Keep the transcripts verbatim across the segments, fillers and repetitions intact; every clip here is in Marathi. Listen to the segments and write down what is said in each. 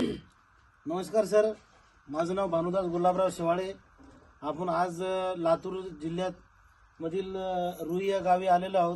नमस्कार सर, माझं नाव भानुदास गुलाबराव शेवाळे. आपण आज अ, लातूर जिल्ह्यात मधील अ, रुई या गावी आलेलो आहोत.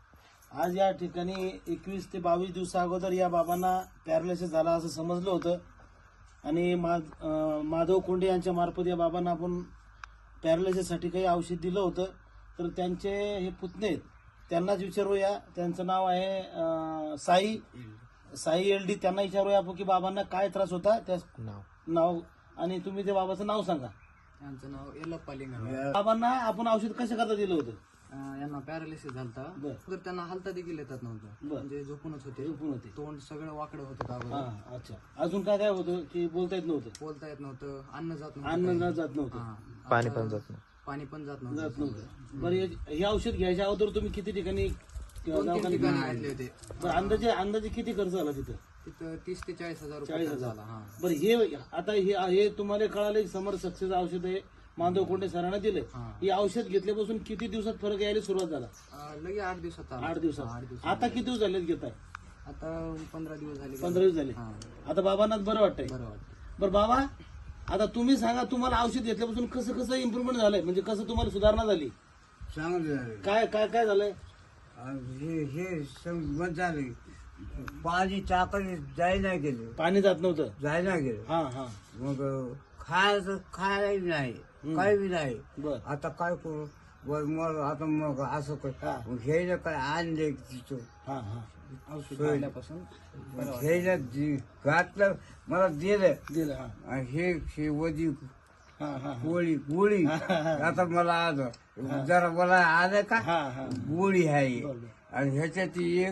आज या ठिकाणी एकवीस ते बावीस दिवसा अगोदर या बाबांना पॅरालिसिस झाला असं समजलं होतं आणि मा अ, माधव कोंडे यांच्या मार्फत या बाबांना आपण पॅरालिसिससाठी काही औषध दिलं होतं. तर त्यांचे हे पुतणे आहेत, त्यांनाच विचारूया. त्यांचं नाव आहे अ, साई साई एल डी. त्यांना विचारूया आपण की बाबांना काय त्रास होता, त्या नाव नाव आणि तुम्ही ते बाबाचं नाव सांगा. यांचं नाव येलप्पा लिंगाराव. बाबांना आपण औषध कशा करता दिलं होतं? अं, यांना पॅरालिसिस झालता. बरं. तर त्यांना हालता देखील येतात नव्हतं, बरं. म्हणजे झोपूनच होते. झोपून होते. तोंड सगळं वाकडं होतं अगोदर. हा, अच्छा. अजून काय काय होतं की बोलता येत नव्हतं? बोलता येत नव्हतं, अन्न जात नव्हतं, अन्न काही. न जात नव्हतं, हा. पाणी आता पण जात नव्हतं. पाणी पण जात जात नव्हतं. नव्हतं. बरं, हे हे औषध घ्यायच्या अगोदर तुम्ही किती ठिकाणी दोन तीन दवाखान्यात ठिकाणी गेले? घातले होते. बरं, अंदाजे अंदाजे किती खर्च झाला तिथं? तिथं तीस ते चाळीस हजार रुपये चाळीस खर्च हजार. झाला. हा. बरं, हे आता हे हे तुम्हाला कळालं की समर सक्सेस औषध आहे, माधव कोंडे सरांना दिले. हा. हे औषध घेतल्यापासून किती दिवसात फरक यायला सुरुवात झाला? अं, लगे आठ दिवसात आला. आठ हा, दिवसात. आठ दिवसात. आता किती दिवस झालेत घेताय? आता पंधरा दिवस झाले. पंधरा दिवस झाले. हा. आता बाबांनाच बरं वाटतंय. बरं वाटतं. बरं बाबा, आता तुम्ही सांगा, तुम्हाला औषध घेतल्यापासून कसं कसं इम्प्रुव्हमेंट झालंय, म्हणजे कसं तुम्हाला सुधारणा झाली? चांगलं झालं. काय काय काय झालंय? आणि हे हे बंद झाले. पाणी टाकायला जायला गेलं, पाणी जात नव्हतं. जायला गेलं. हा हा. मग खायचं खायलाही नाही, काही बी नाही. बर. आता काय करू? बर मग आता मग असं हा. काय घ्यायला काय आणले तिथं हा हा. औषध घेतल्यापासून घ्यायला दि- घातलं, मला दिलं. दिलं. हा आणि हे हे वधी हा हा. गोळी गोळी आता मला आलं जरा मला आलं का हा हा. गोळी आहे. बरं. आणि ह्याच्यात एक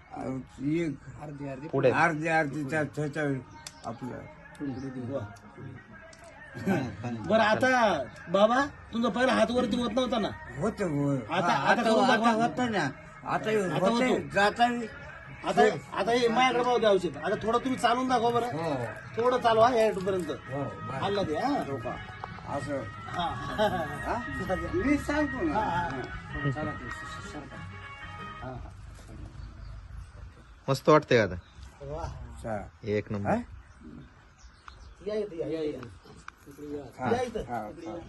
एक अर्धी अर्धी पुढे अर्धी अर्धी त्या त्याच्या आपलं बरं, आता बाबा तुमचा पहिला हात वरती होत नव्हता ना? होत आता- आता आता करून आता दाखवा. होत ना. आता आता होते होतो. जाता आता आता हे माझ्याकडे पाहू द्या औषध. आता थोडं तुम्ही चालून दाखवा बरं. हो थोडं चालवा या पर्यंत. हो बरं. हल्ला दे. हा असं हा. हा? मी सांगतो ना. चला ते, सरका. हा, हा. मस्त वाटतंय का आता? वा. चा- एक हा? नंबर. या इथं, या, या, या. इकडे या. हा, या इथं. हा, इकडे हा. या.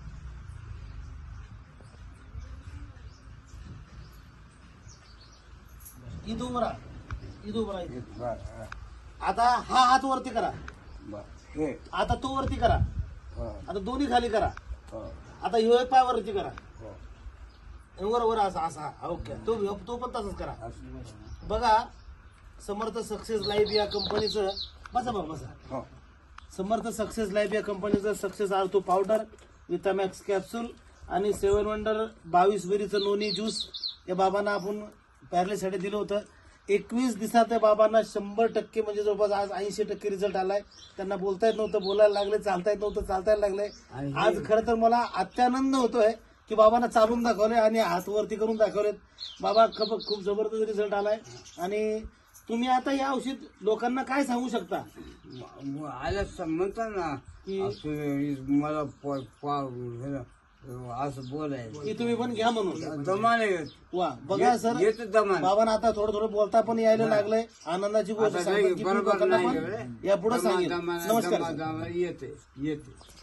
इथं उभं राहा. इथं उभं राहा. इथं. बरं, हा. आता हा हात वरती करा. बरं. हे आता तो वरती करा. हो, आता दोन्ही खाली करा. हो, आता ह्यो एक पाय वरती करा. हो. वर वर असा असा. ओके. तो तो पण तसंच करा. असं. बघा, समर्थ सक्सेस लाईफ या कंपनीचं, बसा बघा बसा. हो. समर्थ सक्सेस लाईफ या कंपनीचं success ortho powder, Vitamax capsule आणि सेवन वंडर बावीस वेरीचं नोनी ज्यूस या बाबांना आपण पॅरालिससाठी दिलं होतं. एकवीस दिवसात त्या बाबांना शंभर टक्के म्हणजे जवळपास आज ऐंशी टक्के रिझल्ट आलाय. त्यांना बोलता येत नव्हतं, बोलायला लागले, चालता येत नव्हतं, चालतायला लागले. आणि आज खरं तर मला अत्यानंद होतोय की बाबांना चालून दाखवले आणि हात वरती करून दाखवलेत. बाबा खूप खूप जबरदस्त रिझल्ट आलाय. आणि तुम्ही आता हे औषध लोकांना काय सांगू शकता? मग आल्या म्हणतात ना की- असं मला प- पा- हे ना, असं बोलायचं की तुम्ही पण घ्या म्हणून. दमाने येत. वा, बघा सर, येत दमान. बाबांना आता थोडं थोडं बोलता पण यायला लागलंय. आनंदाची गोष्ट आता सांगतात काही की मी बरोबर लोकांना नाही पण एवढे. यापुढे दमा- सांगेल. दमा- नमस्कार दमा- सर. दमा येते येते